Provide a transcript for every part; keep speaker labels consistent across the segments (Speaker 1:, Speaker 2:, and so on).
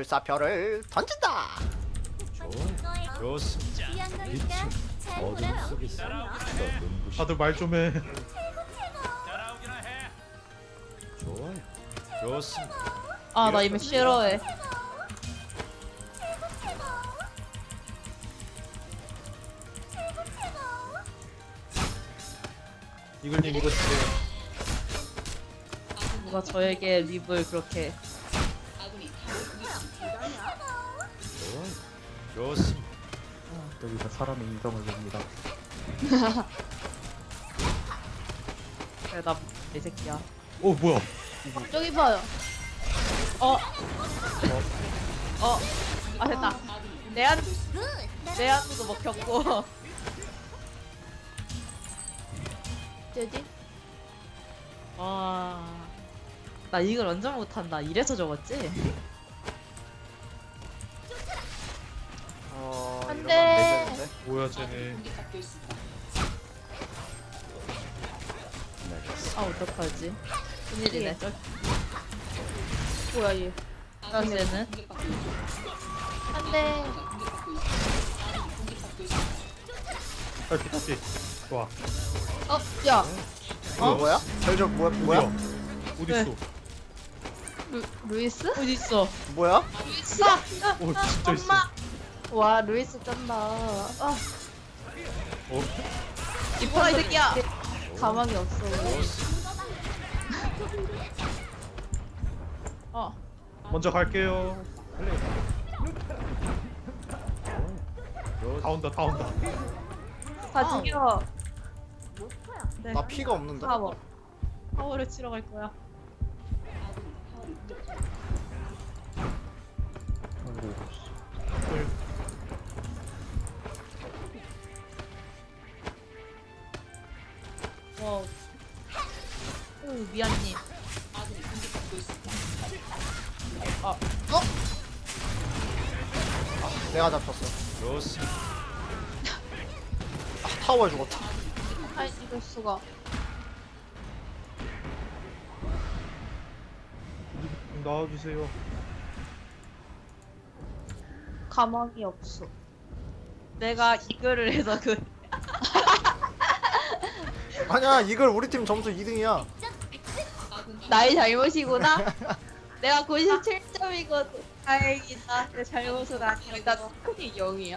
Speaker 1: 불사표를 던진다.
Speaker 2: 좋습니다.
Speaker 3: 어둠 속에서
Speaker 4: 다들 말 좀 해.
Speaker 2: 따라오기나 해.
Speaker 3: 좋아요.
Speaker 2: 좋습니다.
Speaker 5: 아 나 이미 싫어해.
Speaker 4: 이글님 이거 주세요.
Speaker 5: 누가 저에게 립을 그렇게.
Speaker 3: 좋아요.
Speaker 2: 좋습니다.
Speaker 6: 여기서 사람의 인성을 봅니다.
Speaker 5: 그래 나이 새끼야.
Speaker 4: 뭐야?
Speaker 5: 저기 봐요. 아 됐다. 내 안도 먹혔고. 뭐지? 나 이걸 완전 못한다. 이래서 적었지?
Speaker 1: 이러면
Speaker 5: 돼.
Speaker 1: 되겠는데?
Speaker 4: 뭐야 쟤네.
Speaker 5: 아 어떡하지? 큰일이네. 뭐야 얘? 쟤는? 안돼.
Speaker 4: 다시. 좋아.
Speaker 5: 야.
Speaker 1: 뭐야? 혈적 뭐야?
Speaker 4: 어디
Speaker 5: 네.
Speaker 4: 있어?
Speaker 5: 루이스? 어디 있어?
Speaker 1: 뭐야?
Speaker 5: 루이스.
Speaker 4: 오 진짜 있어.
Speaker 5: 와 루이스 쩐다.
Speaker 4: 어?
Speaker 5: 이뻐라 이 새끼야. 가망이 없어.
Speaker 4: 먼저 갈게요. 다 온다 다 온다.
Speaker 5: 다 죽여.
Speaker 1: 나 피가 없는데.
Speaker 5: 파워를 치러 갈 거야. 와우. 오 미안님.
Speaker 1: 내가 잡혔어.
Speaker 2: 좋습니다.
Speaker 1: 타워에 죽었다.
Speaker 5: 아 이럴 수가.
Speaker 4: 나와주세요.
Speaker 5: 가망이 없어. 내가 이거를 해서 그
Speaker 1: 아니야, 이걸 우리 팀 점수 2등이야.
Speaker 5: 나의 잘못이구나. 내가 97점이거든. 다행이다. 내 잘못은 아니야. 나 스크린 0이야.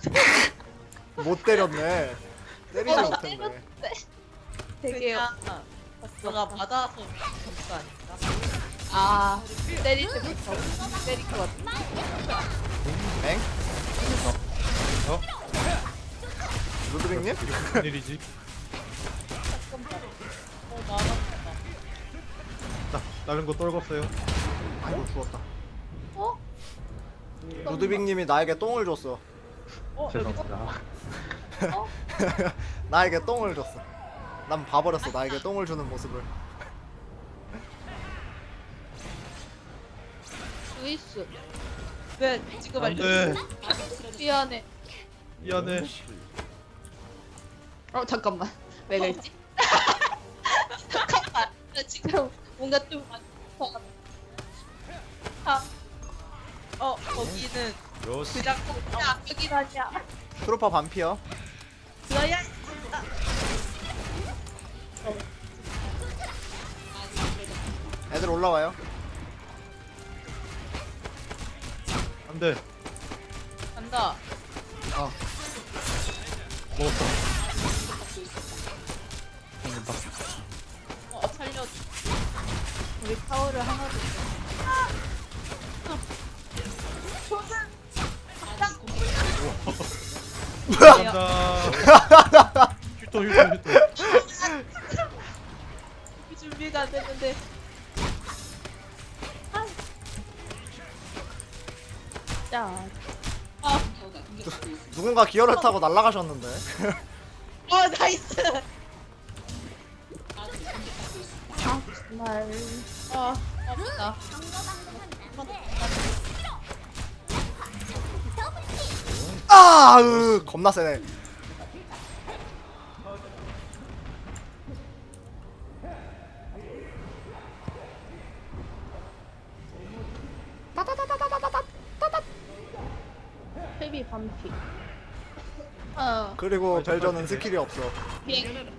Speaker 1: 못 때렸네. 때리지 못했네.
Speaker 5: 되게 너가 맞아서 점수 아닐까? 아 때릴 때 때릴 것 같아.
Speaker 1: 엥?
Speaker 4: 어?
Speaker 1: 루드빅님?
Speaker 4: 무슨 일이지? 다른 거 떨궜어요.
Speaker 1: 아이고 죽었다.
Speaker 5: 어?
Speaker 1: 루드빅님이 나에게 똥을 줬어.
Speaker 6: 죄송합니다.
Speaker 1: 나에게 똥을 줬어. 난 봐버렸어. 나에게 똥을 주는 모습을.
Speaker 5: 루이스. 왜 지금
Speaker 4: 안돼.
Speaker 5: 미안해.
Speaker 4: 미안해.
Speaker 5: 잠깐만. 왜 그랬지? 잠깐만. 나 지금 뭔가 좀 거기는
Speaker 2: 좋습니다.
Speaker 5: 그냥 여긴 아니야.
Speaker 1: 트루퍼 반피어.
Speaker 5: 너야.
Speaker 1: 애들 올라와요.
Speaker 4: 안돼.
Speaker 5: 간다.
Speaker 4: 먹었어.
Speaker 5: 살려. 우리 파워를 하나도.
Speaker 4: 간다. 휴토 휴토 휴토.
Speaker 5: 준비가 안 됐는데. 자.
Speaker 1: 누군가 기어를 타고 날아가셨는데.
Speaker 5: 나이스. 정말. 없다.
Speaker 1: 겁나 세네. 따다다다다다다.
Speaker 7: 딸비 반피.
Speaker 1: 그리고 벨저는 스킬이 없어.
Speaker 7: 비행.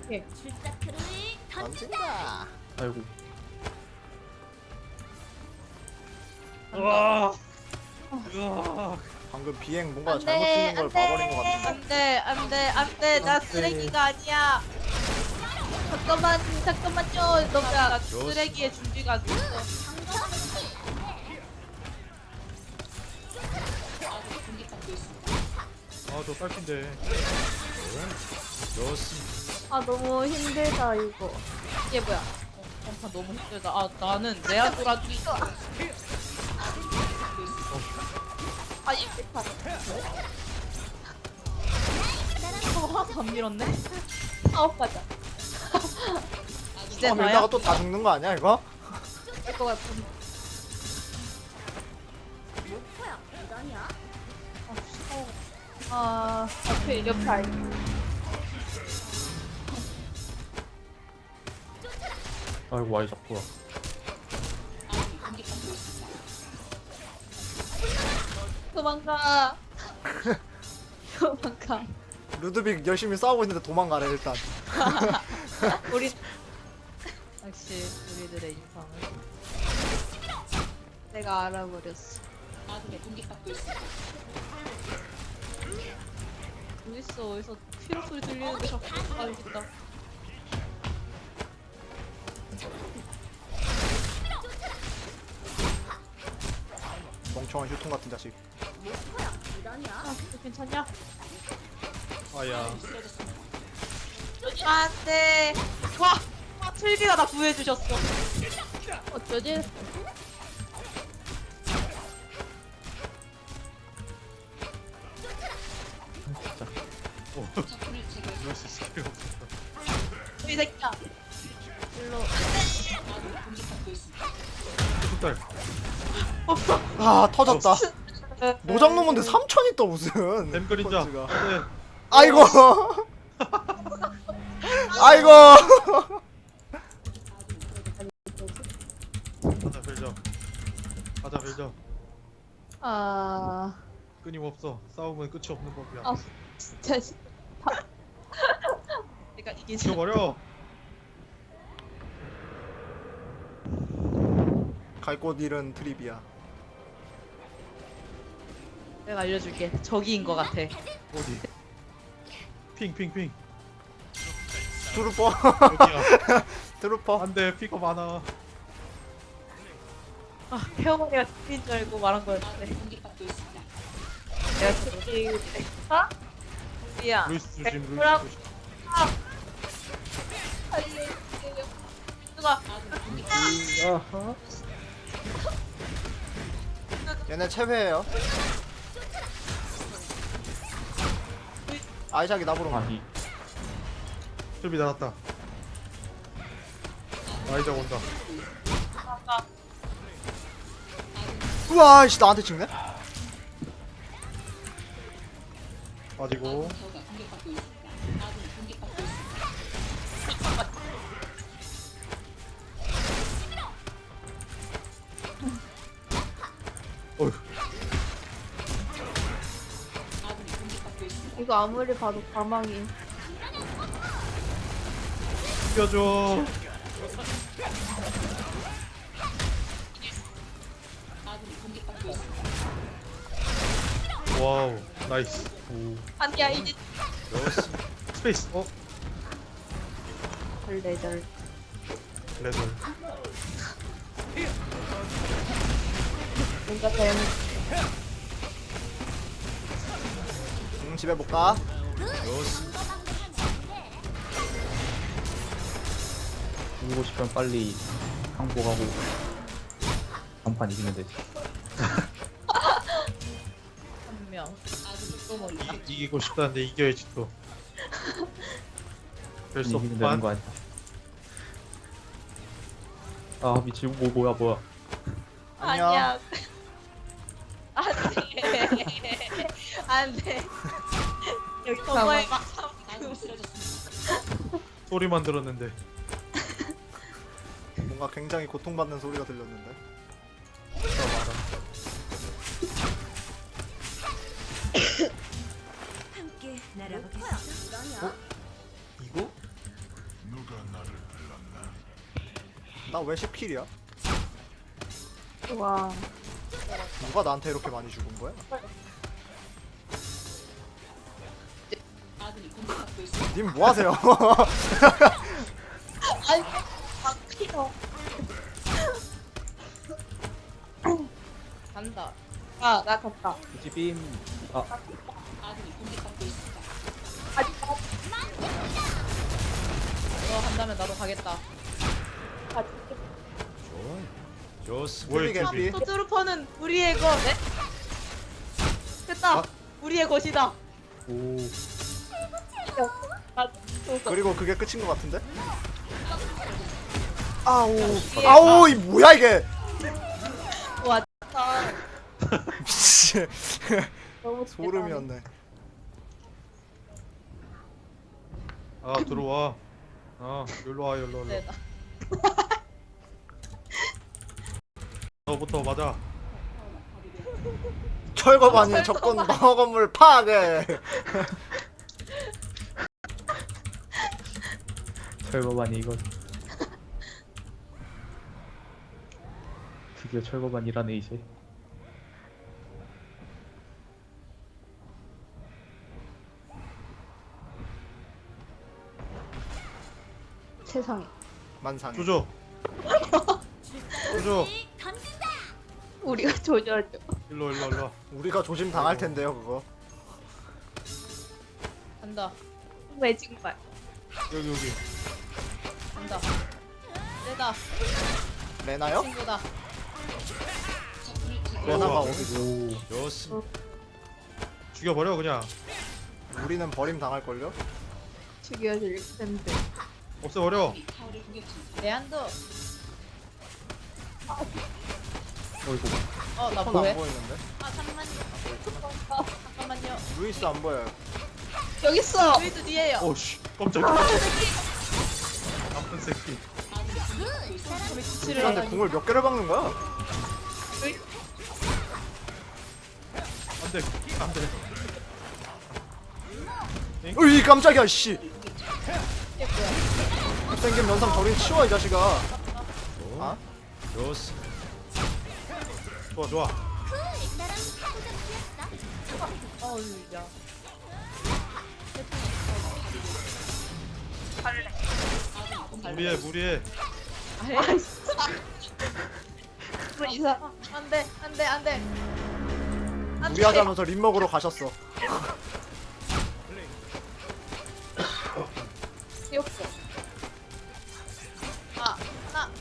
Speaker 1: 던진다.
Speaker 6: 아이고.
Speaker 4: 으아. 으아.
Speaker 1: 방금 비행 뭔가 잘못 튀는 걸 봐버린 것 같은데.
Speaker 5: 안돼 안돼 안돼 나 쓰레기가 아니야. 잠깐만요. 너나 쓰레기의 준비가 안 됐어.
Speaker 4: 아저 딸핀데.
Speaker 2: 좋습니다.
Speaker 7: 아 너무 힘들다 이거.
Speaker 5: 이게 뭐야? 아 너무 힘들다. 아 나는 레아도라도 있어. 아 이거 안 밀었네.
Speaker 7: 아홉 가자.
Speaker 5: 이제
Speaker 1: 밀다가
Speaker 5: 나야.
Speaker 1: 또 다 죽는 거 아니야 이거?
Speaker 7: 될것 같은. 아 앞에 옆에 알.
Speaker 6: 아이고 와이 잡구나.
Speaker 7: 도망가. 도망가.
Speaker 1: 루드빅 열심히 싸우고 있는데 도망가래 일단.
Speaker 5: 우리 역시 우리들의 인상을
Speaker 7: 내가 알아버렸어.
Speaker 5: 어딨어 피로 소리 들리는데 자꾸 가야겠다.
Speaker 1: 멍청한 휴통 같은 자식.
Speaker 5: 아 괜찮냐?
Speaker 4: 아야.
Speaker 5: 안돼. 와 틀비가 나 구해주셨어.
Speaker 7: 어쩌지?
Speaker 4: 이럴 수 있을 필요 없어.
Speaker 5: 이 새끼야.
Speaker 7: 일로.
Speaker 4: 딸.
Speaker 1: 아 터졌다. 노장놈인데 3천이 또 무슨.
Speaker 4: 뱀 그림자.
Speaker 1: 펀치가.
Speaker 4: 네.
Speaker 1: 아이고. 아이고.
Speaker 4: 가자 벨저. 가자 벨저.
Speaker 7: 아
Speaker 4: 끊임없어. 싸움은 끝이 없는 법이야.
Speaker 7: 아. 진짜
Speaker 5: 내가 이기지.
Speaker 4: 죽여버려.
Speaker 1: 갈 곳 잃은 트리비아.
Speaker 5: 내가 알려줄게. 저기인 것 같아.
Speaker 4: 어디? 핑.
Speaker 1: 트루퍼.
Speaker 4: 여기야.
Speaker 1: 트루퍼.
Speaker 4: 안돼 피가 많아.
Speaker 5: 아 태어머니가 틀린 줄 알고 말한 거였는데. 내가 틀린. 어? 미야.
Speaker 4: 루이스 조심. 루이스
Speaker 5: 뭐라고?
Speaker 4: 조심.
Speaker 5: 누가?
Speaker 6: 아하.
Speaker 1: 얘네 최회예요. 아이작이 나보러 가.
Speaker 6: 아니.
Speaker 4: 흡이 나갔다. 아이작 온다.
Speaker 1: 우와 씨 나한테 찍네.
Speaker 4: 빠지고. 어휴.
Speaker 7: 이거 아무리 봐도 가망이.
Speaker 4: 죽여줘. 와우 나이스. 오.
Speaker 5: 아니야 이제
Speaker 2: 좋습니다.
Speaker 4: 스페이스.
Speaker 7: 덜덜덜.
Speaker 4: 레드.
Speaker 7: 뭔가 잘못.
Speaker 1: 집에 못 가.
Speaker 2: 좋습니다.
Speaker 6: 이기고 싶으면 빨리 항복하고 간판 이기면 되지.
Speaker 5: 한 명. 또 멀다.
Speaker 4: 이기고 싶다는데 이겨야지 또. 별수
Speaker 6: 이기면 되는 거
Speaker 4: 없구만.
Speaker 6: 아니야. 아 미치고 뭐야.
Speaker 1: 안녕.
Speaker 5: 안돼. 안돼. 여기 서버에 막
Speaker 4: 소리만 들었는데.
Speaker 1: 뭔가 굉장히 고통받는 소리가 들렸는데.
Speaker 4: 저 이거?
Speaker 1: 나 왜 10킬이야?
Speaker 7: 와.
Speaker 1: 누가 나한테 이렇게 많이 죽은 거야? 님 뭐하세요?
Speaker 7: 아니, 막히어.
Speaker 5: 간다.
Speaker 7: 아, 나 갔다.
Speaker 6: 지빔. 아,
Speaker 5: 너 한다면 나도 가겠다.
Speaker 3: 좋아요. 좋습니다.
Speaker 4: 뭐야
Speaker 1: 뚜비
Speaker 4: 이게?
Speaker 1: 개피.
Speaker 5: 토트루퍼는 우리의 것. 네? 됐다.
Speaker 4: 아.
Speaker 5: 우리의 것이다.
Speaker 6: 오.
Speaker 1: 그리고 그게 끝인 것 같은데? 아오 아오 이 뭐야 이게?
Speaker 5: 와,
Speaker 1: 미치.
Speaker 7: 너무
Speaker 1: 소름이었네.
Speaker 4: 아 들어와. 아 여기로 와 여기로.
Speaker 5: 대다.
Speaker 4: 너부터 맞아.
Speaker 1: 철거반이 적군 방어 건물 파괴.
Speaker 6: 철거반이 이거. 드디어 철거반이라네 이제.
Speaker 7: 세상에.
Speaker 1: 만상에.
Speaker 4: 조져. 조져.
Speaker 7: 우리가 조절죠.
Speaker 4: 일로 와.
Speaker 1: 우리가 조심 당할 텐데요 그거.
Speaker 5: 간다.
Speaker 7: 왜 정말?
Speaker 4: 여기.
Speaker 5: 간다. 세다.
Speaker 1: 레나요?
Speaker 5: 친구다.
Speaker 1: 레나가
Speaker 4: 어,
Speaker 1: 어디?
Speaker 6: 오.
Speaker 3: 좋습니다.
Speaker 4: 죽여버려 그냥.
Speaker 1: 우리는 버림 당할 걸요?
Speaker 7: 죽여줄 텐데.
Speaker 4: 없애버려.
Speaker 5: 내한도.
Speaker 6: 어이구.
Speaker 5: 나
Speaker 1: 손
Speaker 5: 뭐해?
Speaker 1: 안 보이는데?
Speaker 5: 아 잠깐만요. 잠깐만요.
Speaker 1: 루이스 안 보여요.
Speaker 7: 여기 있어.
Speaker 5: 루이스 뒤에요.
Speaker 4: 오씨 깜짝이야. 나쁜 새끼.
Speaker 5: 위치를
Speaker 1: 루이스한테 궁을 몇 개를 박는 거야?
Speaker 4: 안돼 안돼.
Speaker 1: 으이 깜짝이야 씨. 생긴 면상 저리 치워 이 자식아. 아?
Speaker 3: 좋습니다.
Speaker 4: 좋아.
Speaker 5: 야.
Speaker 4: 무리해.
Speaker 7: 이사.
Speaker 5: 안돼.
Speaker 1: 무리하자면서 립 먹으러 가셨어.
Speaker 7: 귀엽어.
Speaker 5: 하나.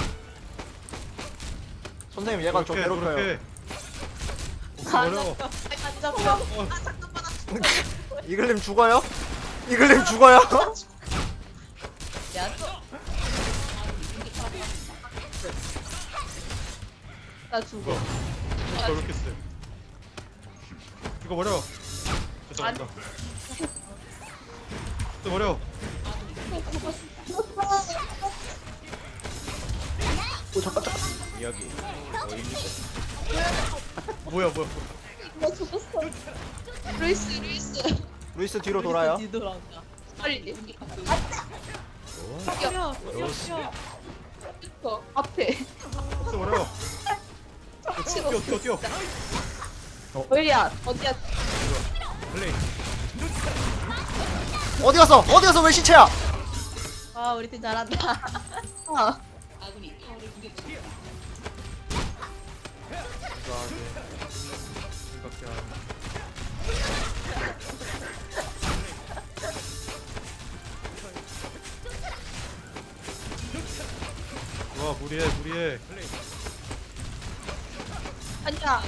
Speaker 1: 선생님 얘가 저 괴롭혀요.
Speaker 4: 없애버려.
Speaker 5: 안 잡혀.
Speaker 1: 이글님 죽어요? 이글님 죽어요?
Speaker 5: 내한도.
Speaker 7: 나 죽어.
Speaker 4: 저렇게 세. 죽어버려. 죄송합니다. 죽어버려.
Speaker 1: 오 잠깐.
Speaker 3: 여기 보입니까?
Speaker 4: 뭐야.
Speaker 7: 나 죽었어. 루이스.
Speaker 1: 루이스 뒤로 돌아요.
Speaker 5: 뒤돌아온다.
Speaker 7: 빨리.
Speaker 3: 좋아요.
Speaker 7: 죽여.
Speaker 3: 좋습니다.
Speaker 7: 저 앞에.
Speaker 4: 없애버려. 뛰어.
Speaker 7: 어디야? 어디야?
Speaker 4: 플레이.
Speaker 1: 어디 갔어? 왜 시체야?
Speaker 5: 아 우리 팀 잘한다.
Speaker 7: 아.
Speaker 4: 생각해. 와 무리해.
Speaker 7: 아니야.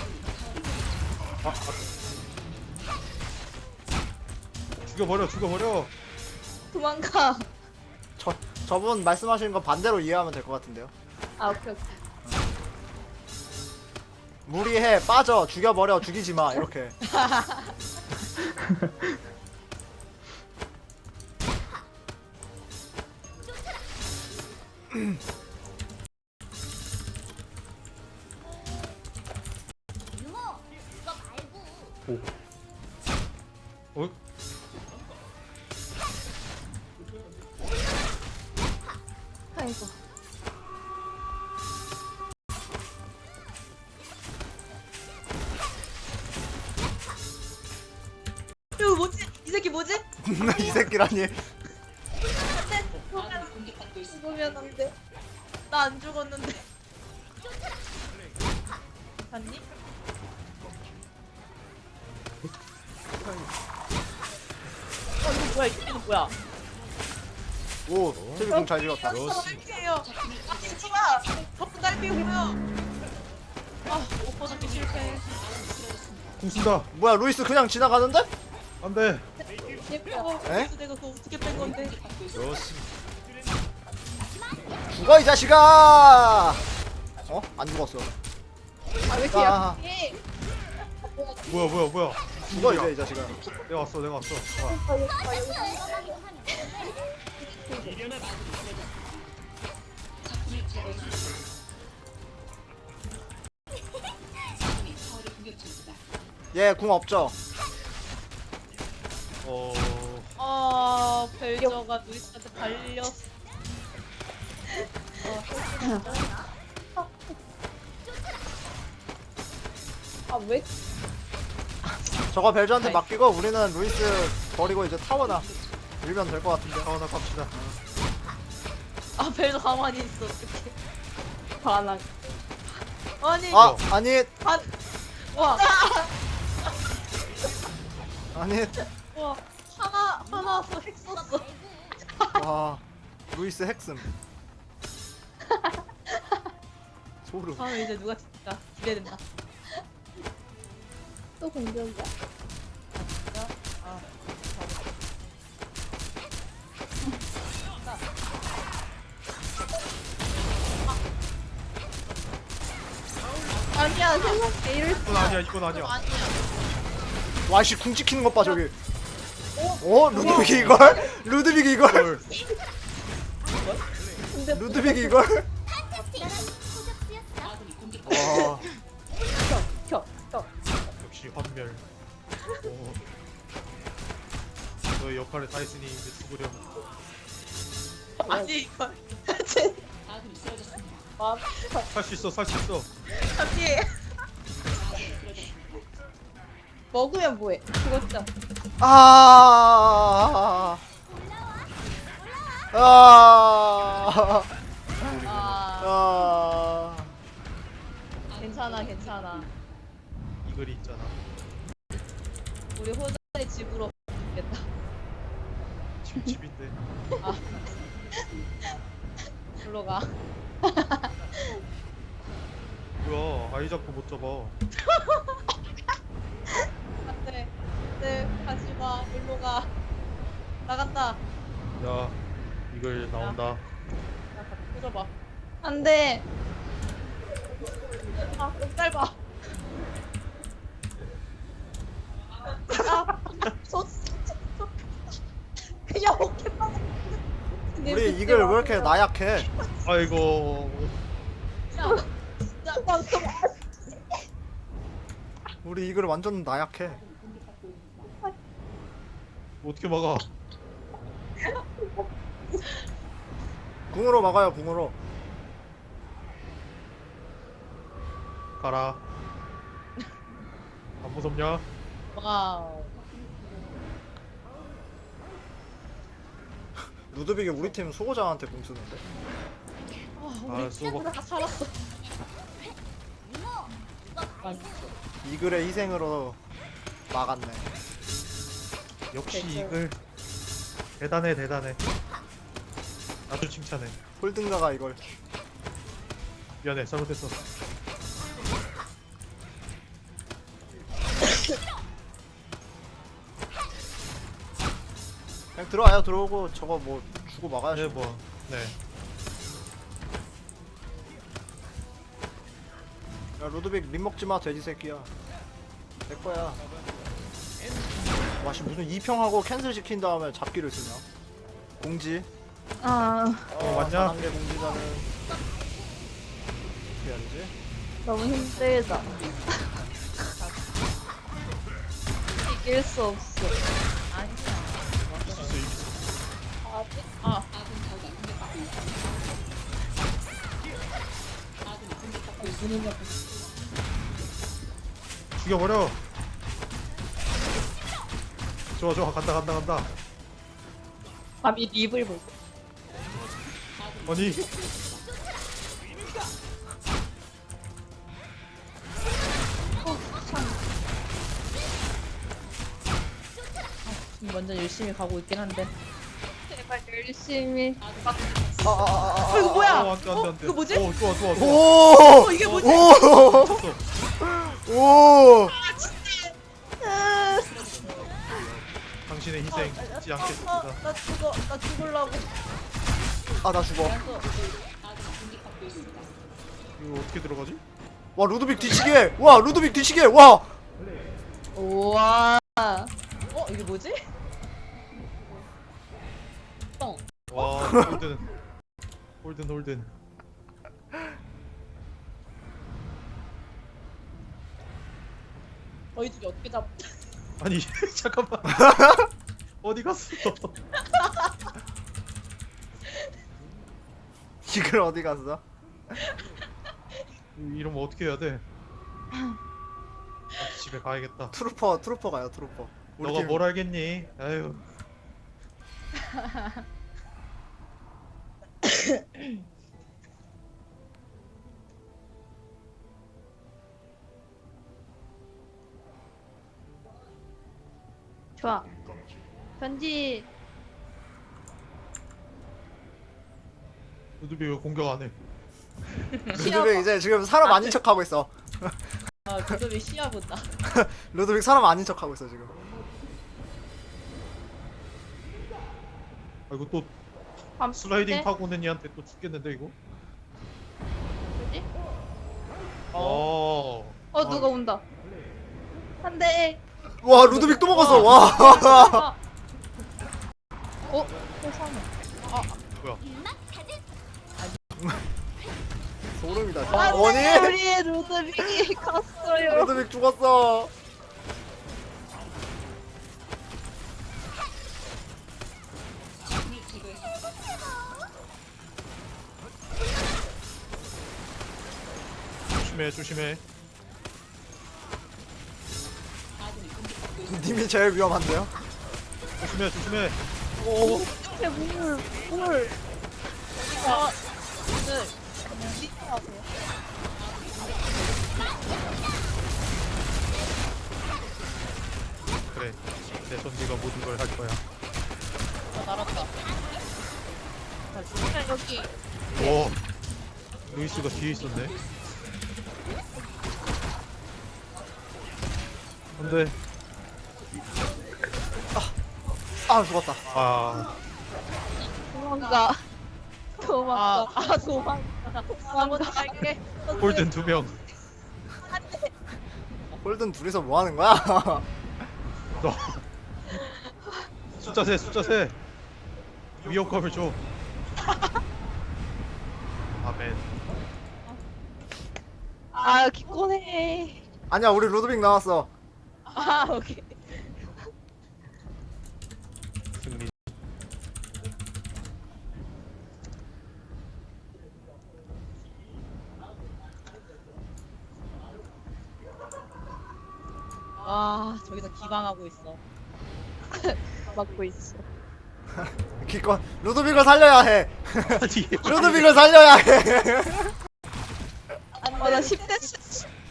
Speaker 4: 죽여버려.
Speaker 7: 도망가.
Speaker 1: 저분 말씀하시는 거 반대로 이해하면 될 것 같은데요.
Speaker 7: 아, 오케이.
Speaker 1: 무리해 빠져 죽여버려 죽이지 마 이렇게.
Speaker 4: 어?
Speaker 7: 아이고.
Speaker 5: 이거 뭐지? 이 새끼 뭐지?
Speaker 1: 이 새끼라니.
Speaker 7: 죽으면 안 돼.
Speaker 5: 나 안 죽었는데. 봤니? 이거 뭐야? 이거 뭐야?
Speaker 1: 오, 태비공 잘 지었다.
Speaker 3: 좋습니다.
Speaker 5: 딸피예요. 아, 진짜 마. 덕분 딸피고요. 아, 못 벗었기 실패.
Speaker 4: 궁 쓴다.
Speaker 1: 뭐야, 루이스 그냥 지나가는데?
Speaker 4: 안돼.
Speaker 5: 어,
Speaker 1: 에?
Speaker 5: 그래서 내가 그거 어떻게 뺀 건데?
Speaker 3: 좋습니다.
Speaker 1: 죽어 이 자식아! 어? 안 죽었어.
Speaker 7: 아, 왜 이렇게
Speaker 1: 아.
Speaker 7: 약해?
Speaker 4: 뭐야.
Speaker 1: 죽어 이제 이 자식아.
Speaker 4: 내가 왔어.
Speaker 1: 얘 궁 없죠?
Speaker 5: 벨저가 루이스한테 발렸어.
Speaker 7: 아, 왜?
Speaker 1: 저거 벨저한테 맡기고 우리는 루이스 버리고 이제 타워나 밀면 될 것 같은데.
Speaker 4: 나 갑시다.
Speaker 5: 아, 벨저 가만히 있어. 어떡해.
Speaker 7: 반항.
Speaker 5: 아니,
Speaker 1: 아, 아니,
Speaker 5: 와,
Speaker 1: 아니.
Speaker 5: 와, 하나 와서 핵 썼어.
Speaker 1: 와, 루이스 핵슴. 소름.
Speaker 5: 아, 이제 누가 진짜 기대된다.
Speaker 7: 또 공격이야.
Speaker 5: 아,
Speaker 7: 아니야, 세상 제일
Speaker 4: 이건 아니야.
Speaker 1: 와씨 궁 찍히는 것 봐 저기. 어? 루드빅이 이걸? 루드빅이 이걸?
Speaker 7: 근데
Speaker 1: 루드빅이 이걸? 와,
Speaker 7: 켜.
Speaker 4: 역시 환멸. 너의 역할을 다 했으니 이제 죽으렴.
Speaker 5: 아니 이거
Speaker 4: 살 수 있어.
Speaker 5: 아니
Speaker 7: 먹으면 뭐해? 죽었죠?
Speaker 1: 아, 아,
Speaker 5: 아
Speaker 1: 아,
Speaker 5: 괜찮아
Speaker 4: 이 글이 있잖아.
Speaker 5: 우리 호전이 집으로 가겠다.
Speaker 4: 지금 집인데.
Speaker 5: 아 불러 가.
Speaker 4: 뭐야? 아이 잡고 못 잡아.
Speaker 5: 안돼 네 가지마 일로 가. 나간다.
Speaker 4: 야, 이글 나온다.
Speaker 5: 야 같이 꽂아봐.
Speaker 7: 안 돼.
Speaker 5: 아 너무 짧아.
Speaker 7: 그냥 어깨 빠져.
Speaker 1: 우리 이걸 왜 이렇게 나약해?
Speaker 4: 아이고.
Speaker 1: 우리 이걸 완전 나약해.
Speaker 4: 어떻게 막아?
Speaker 1: 궁으로 막아요, 궁으로.
Speaker 4: 가라. 안 무섭냐?
Speaker 5: 와우.
Speaker 1: 루드빅이 우리 팀 수호자한테 공 쓰는데.
Speaker 5: 우리
Speaker 4: 수고.
Speaker 5: 다 살았어.
Speaker 1: 이글의 희생으로 막았네.
Speaker 4: 역시 이글 대단해. 아주 칭찬해.
Speaker 1: 홀든가가 이걸.
Speaker 4: 미안해, 잘못했어.
Speaker 1: 그냥 들어와요, 들어오고 저거 뭐 주고 막아야지.
Speaker 4: 네.
Speaker 1: 야, 루드빅 립 먹지 마, 돼지 새끼야. 내 거야. 와씨 무슨 2평하고 캔슬 시킨 다음에 잡기를 쓰냐? 공지.
Speaker 7: 아,
Speaker 4: 맞냐?
Speaker 1: 4단계 공지자는 어떻게 해야 되지?
Speaker 7: 너무 힘들다. 이길 수 없어.
Speaker 5: 아니야.
Speaker 4: 이길 수 있어.
Speaker 5: 아
Speaker 4: 죽여버려. 좋아 좋아 간다 간다 간다.
Speaker 7: 밤이 립을 보고.
Speaker 4: 아니
Speaker 5: 완전 열심히 가고 있긴 한데.
Speaker 7: 제발 열심히.
Speaker 5: 이거 뭐야?
Speaker 4: 안돼 안돼 안돼.
Speaker 5: 이거 뭐지?
Speaker 4: 좋아 좋아 좋아.
Speaker 1: 오!
Speaker 5: 이게 뭐지?
Speaker 1: 오!
Speaker 4: 쳤어.
Speaker 1: 오!
Speaker 4: 당신의 희생 잊지 않겠습니다.
Speaker 5: 나 죽을라고.
Speaker 1: 아, 나 죽어.
Speaker 4: 이거 어떻게 들어가지?
Speaker 1: 와, 루드빅 뒤치게! 와, 루드빅 뒤치게! 와!
Speaker 7: 우와.
Speaker 5: 이게 뭐지?
Speaker 4: 와 홀든 홀든.
Speaker 5: 너희 둘이 어떻게 잡?
Speaker 4: 아니 잠깐만. 어디 갔어?
Speaker 1: 이걸 어디 갔어?
Speaker 4: 이러면 어떻게 해야 돼? 집에 가야겠다.
Speaker 1: 트루퍼 가요, 트루퍼. 우리
Speaker 4: 너가
Speaker 1: 팀-
Speaker 4: 뭘 알겠니? 아유.
Speaker 7: 좋아. 편지.
Speaker 4: 루드비 왜 공격 안 해?
Speaker 1: 루드빅 이제 지금 사람 아닌 척하고 있어.
Speaker 5: 그놈이 시야 본다.
Speaker 1: 루드빅 사람 아닌 척하고 있어, 지금.
Speaker 4: 아 이거 또
Speaker 7: 밤
Speaker 4: 슬라이딩
Speaker 7: 때?
Speaker 4: 타고 오는 얘한테 또 죽겠는데 이거?
Speaker 7: 뭐지? 누가 온다. 안 돼.
Speaker 1: 와, 루드빅 또 먹었어, 와!
Speaker 7: 세상에.
Speaker 4: 뭐야?
Speaker 1: 소름이다,
Speaker 7: 안
Speaker 1: 진짜.
Speaker 7: 돼,
Speaker 1: 아니?
Speaker 7: 우리의 루드빅이 갔어요.
Speaker 1: 루드빅 죽었어.
Speaker 4: 조심해.
Speaker 1: 님이 제일 위험한데요?
Speaker 4: 조심해.
Speaker 1: 오,
Speaker 7: 이게 물.
Speaker 4: 그래. 내 선비가 모든 걸 할 거야.
Speaker 5: 날았다.
Speaker 7: 여기.
Speaker 4: 오. 루이스가 뒤에 있었네. 안돼.
Speaker 1: 아, 죽었다.
Speaker 4: 아.
Speaker 7: 도망가. 도망가.
Speaker 5: 한번 할게.
Speaker 4: 홀든 2명.
Speaker 1: 홀든 둘이서 뭐 하는 거야?
Speaker 4: 너. 숫자 세. 위협감을 줘. 아멘.
Speaker 7: 아, 기권해.
Speaker 1: 아니야, 우리 루드빅 나왔어.
Speaker 5: 오케이.
Speaker 4: 승리.
Speaker 5: 저기서 기방하고 있어.
Speaker 7: 막고 있어.
Speaker 1: 기껏 루드빅을 살려야 해.
Speaker 4: 아니.
Speaker 1: 루드빅을 살려야 해.
Speaker 7: 나 10대